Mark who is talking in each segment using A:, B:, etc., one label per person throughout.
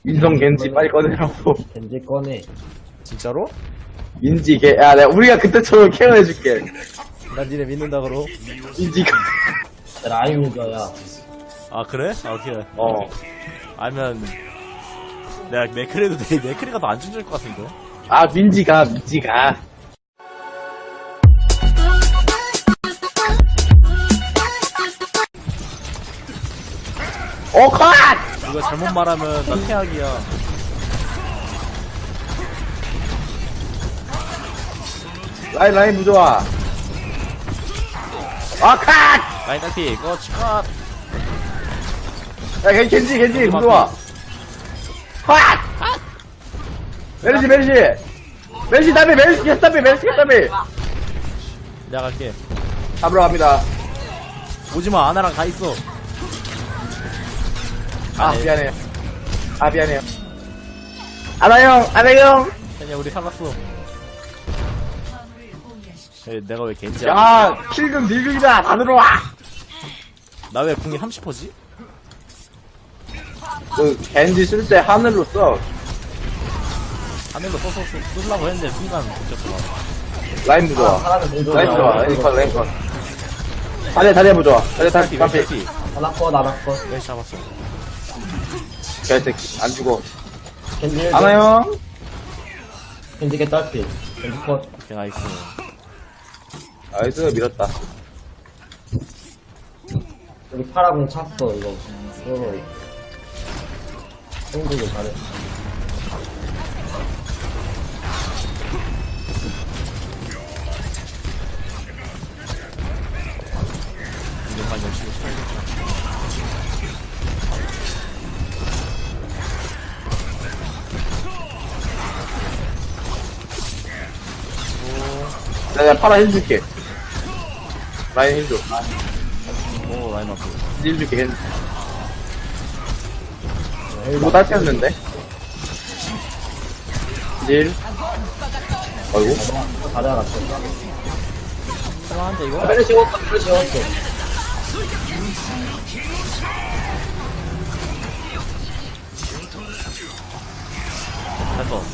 A: 인성 겐지 빨리 꺼내라고.
B: 겐지 꺼내.
C: 진짜로?
A: 민지 개, 야, 내가 우리가 그때처럼 케어해줄게.
C: 난 니네 믿는다 그러.
A: 민지 개.
B: 라임 유저야.
C: 아 그래? 아 오케이.
A: 어.
C: 아니면 내가 맥크리도 돼. 맥크리가 더 안 준줄 것 같은데.
A: 아, 민지가. 오, 컷!
C: 이거 잘못 말하면 나 태학이야.
A: 라인 부좋아. 아, 컷!
C: 라인 딸피 꺼치 컷.
A: 야, 겐지 부좋아. 컷! 메르시 답이.
C: 내가 갈게.
A: 잡으러 갑니다.
C: 오지마 아나랑 가 있어.
A: 아, 미안해요. 아나 형.
C: 그냥 우리 살았어. 에, 내가 왜 겐지야?
A: 야, 킬금 딜금이다. 다 들어와.
C: 나 왜 궁이 30%지?
A: 그, 겐지 쓸 때 하늘로 써.
C: 하늘로 써서 쓰려고 했는데 순간 붙였구나.
A: 라인 부좋아.
B: 하나는 겐지.
A: 라인 컷. 다리야 부좋아. 다리.
C: 딸피.
B: 하나 컷.
C: 왜 잡았어?
A: 개새끼. 안 죽어.
B: 겐지
A: 아나 형.
B: 겐지 개딸피. 겐지 컷.
C: 오케이 나이스.
A: 나이스, 밀었다.
B: 여기 파라군 찼어, 이거. 이거. 승부를 잘해.
C: 이것만 열심히 쳐야겠다.
A: 내가 파라 힐 줄게. 라인 힐 줘.
C: 오 라인 앞에.
A: 힐 줄게, 뭐 딸피었는데? 힐. 어이구.
B: 다리 하나 컷.
C: 할만한데 이거?
B: 빨리 지웠어.
C: 됐어.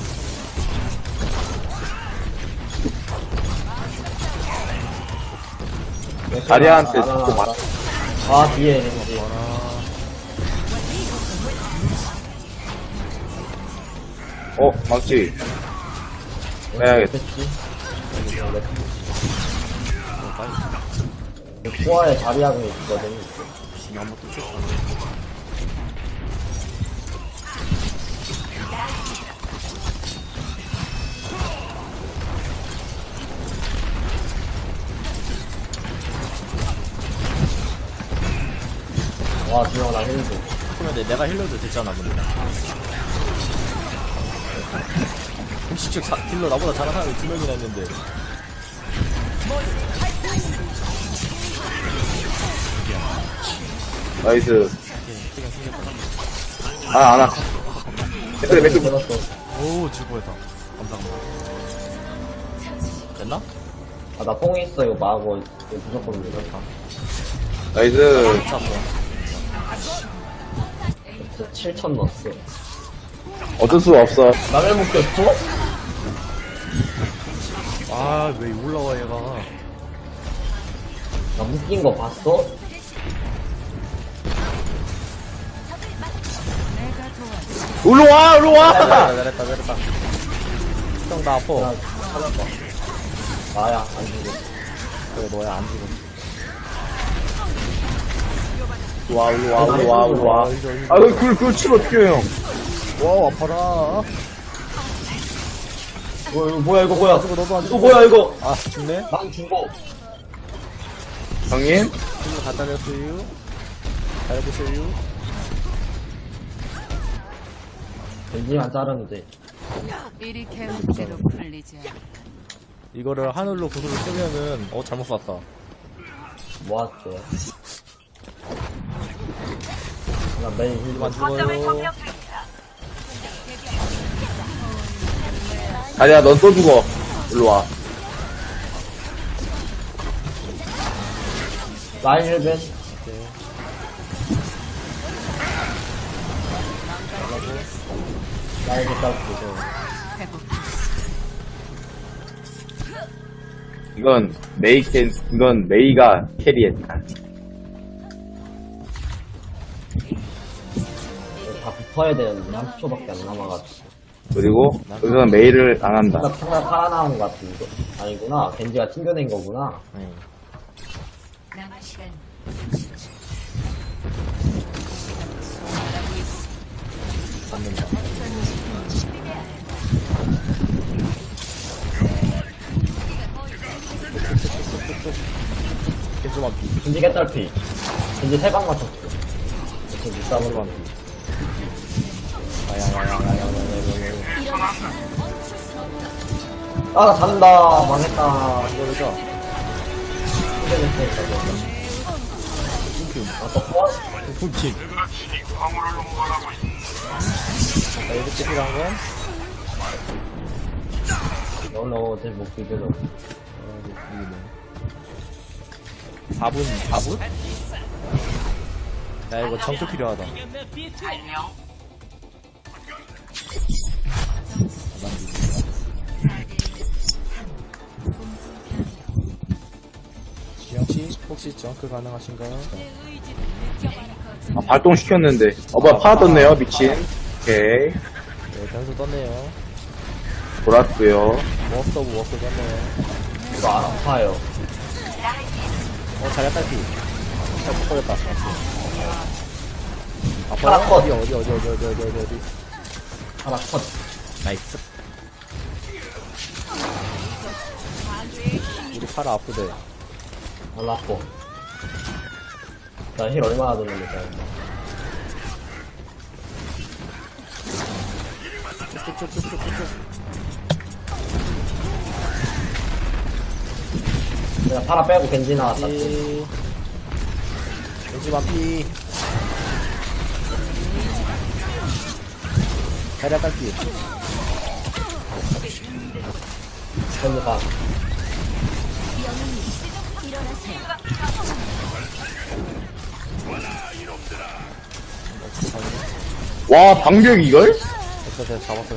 A: 다리한테 자꾸 맞
B: 아, 뒤에 겐지.
A: 망치. 빼야겠다.
B: 됐지?
C: 빨리.
B: 코아에 자리하고 있거든.
C: 한번 또 쳤다.
B: 와, 지영아, 나 힐도.
C: 그러면 내가 힐러도 됐잖아 근데. 음식적 딜러 나보다 잘하는 사람이 2명이나 있는데.
A: 나이스.
C: 시간 생겼다.
A: 아, 안 와. 맥주
B: 들었어.
C: 오 즐거웠다. 감사합니다. 됐나?
B: 아, 나 뽕이 있어. 이거 마고. 이거 무조건 이렇다.
A: 나이스.
C: 잡어.
B: 7천 넣었어.
A: 어쩔 수가 없어.
B: 남의 묶였어?
C: 아왜 올라와 얘가.
B: 나 묶인 거 봤어?
A: 일로 와!
C: 잘했다. 형 나 아파.
B: 나 찾아봐. 나야, 안 죽어.
C: 그래 너야 안 죽어.
A: 일로 와. 아, 그걸 치면 어떡해, 형.
C: 와우 아파라.
B: 이거 뭐야, 너도 안
C: 죽어.
B: 이거 뭐야, 이거?
C: 아 죽네.
B: 난 죽어.
A: 형님?
C: 친구 갖다 줬어요. 잘해보세요.
B: 겐지만 자르면 돼.
D: 이리 개운대로 풀리지 않아.
C: 이거를 하늘로 구슬을 쓰면은 잘못 쐈다.
B: 뭐 할게? 나 메인 힐만
C: 죽어요.
A: 다리야, 넌 또 죽어. 일로 와.
B: 라인 힐벤. 라인 개딸피.
D: 회복.
A: 이건 메이가 캐리했다.
B: 다 붙어야 되는데 30초밖에 안 남아가지고.
A: 그리고 여기서는 메이를 안 한다.
B: 상대 살아나온 것 같은데. 아니구나. 겐지가 튕겨낸 거구나.
C: 네.
D: 남은 시간
C: 잡는다. 겐지만 피.
B: 겐지 개딸피. 겐지 3방 맞췄어. 이렇게 못 잡은 거. 아, 나 잔다. 망했다.
C: 이거 보자.
B: 아, 또 컷?
C: 훔침. 자, 이렇게 필요한 건?
B: 너너 어제 못 비벼줘.
C: 4분? 야, 이거 정크 필요하다. 지영씨, 혹시 정크 가능하신가요?
A: 아, 발동시켰는데. 뭐야, 파라 떴네요, 미친. 오케이.
C: 네, 변수 떴네요.
A: 돌았고요.
C: 워스 오브 워스 떴네요.
B: 이거 아파요.
C: 자리야 딸피. 못 걸렸다.
B: 파라 컷.
C: 어디.
B: 하나 컷.
C: 나이스. 우리 파라 아프대.
B: 잘랐고. 나 힐 얼마나 돌립니까? 내가 파라 빼고 겐지 나왔다.
C: 겐지만 피. 자리야 딸피.
B: 겐지 가.
A: 와, 방벽 이걸?
C: 됐어. 잡았어.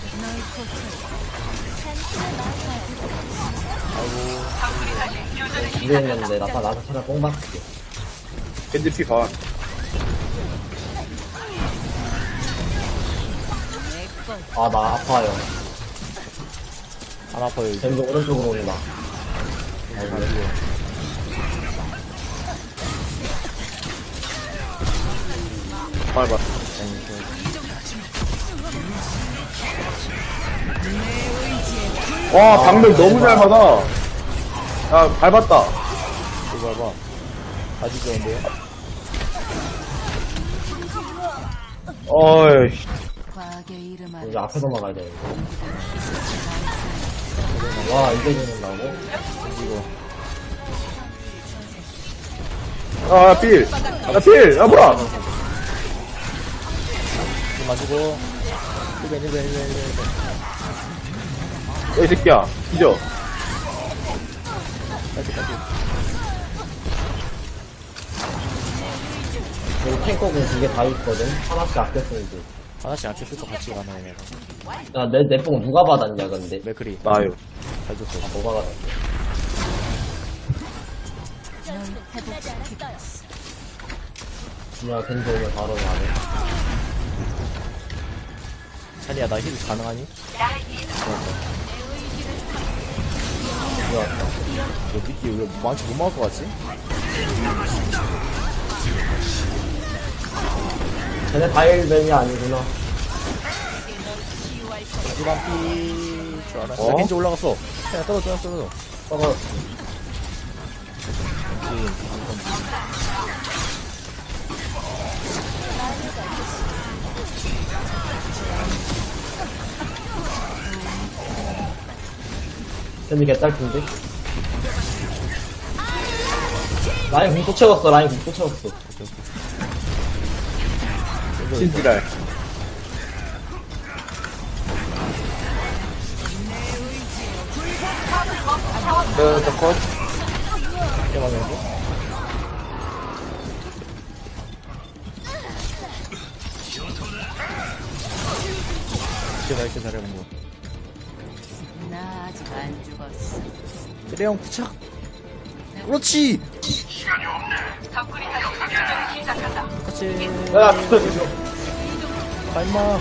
B: 준비했는데 나타 차라리 뽕 받을게.
A: 핸드피 봐.
B: 아, 나 아파요.
C: 안 아파요, 이제.
B: 겐지 오른쪽으로 온다.
A: 밟았어. 와, 방벽 너무 잘 받아. 야, 밟았다.
C: 이거 봐봐. 다시 좋은데요?
A: 어이.
D: 과학의 이름 아래
B: 이제 앞에서 막아야 돼. 와, 이게 죽는다고?
A: 아, 필. 필. 뭐야.
C: 좀 맞추고. 1벤.
A: 야, 이 새끼야. 잊어.
C: 딸피.
B: 여기 탱커군 2개 다 있거든? 하나씩 아꼈으면 돼.
C: 하나씩 안 쳤을 거 같이 가나요,
B: 야, 내 뽕 누가 받았냐, 근데?
C: 맥크리.
A: 나요.
C: 잘 줬어.
B: 너가 받았어.
D: 널 회복시키겠어.
B: 준혁아, 겐지 오면 바로 가네.
C: 찬이야, 나 힐 가능하니?
B: 좋았다.
C: 너 미끼 왜 망치 못 막을 것 같지?
B: 쟤네 다일벤이 아니구나.
C: 겐지만 피. 줄 알아.
A: 어?
C: 야, 겐지 올라갔어. 그냥 떨어져.
B: 저거, 겐지 개딸핀데? 라인 공또 채웠어, 라인 공또 채웠어.
A: 신지랄. 저 컷.
C: 이게 맞는데? 이렇게 잘해본 거.
D: 나 아직 안 죽었어.
C: 그래, 형, 부착. 그렇지! 그렇지.
B: 야, 비켜.
C: 가, 임마.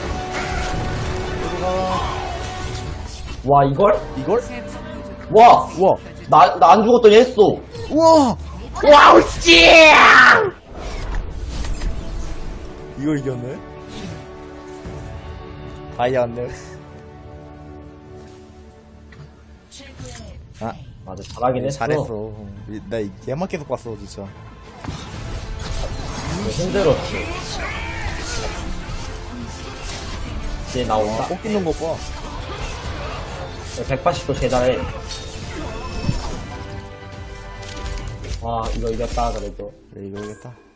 C: 들어가.
B: 와, 이걸?
C: 이걸?
B: 와!
C: 우와.
B: 나 안 죽었더니 했어.
C: 우와!
B: 와우, 씨!
C: 이걸 이겼네? 다이아인데. 아,
B: 맞아, 잘하긴 했어.
C: 잘했어. 나 얘만 계속 봤어, 진짜.
B: 힘들었지. 이제 나온다.
C: 꼭 끼는 거 봐.
B: 180도 제자해. 와, 이거 이겼다, 그래도.
C: 그래, 이거겠다.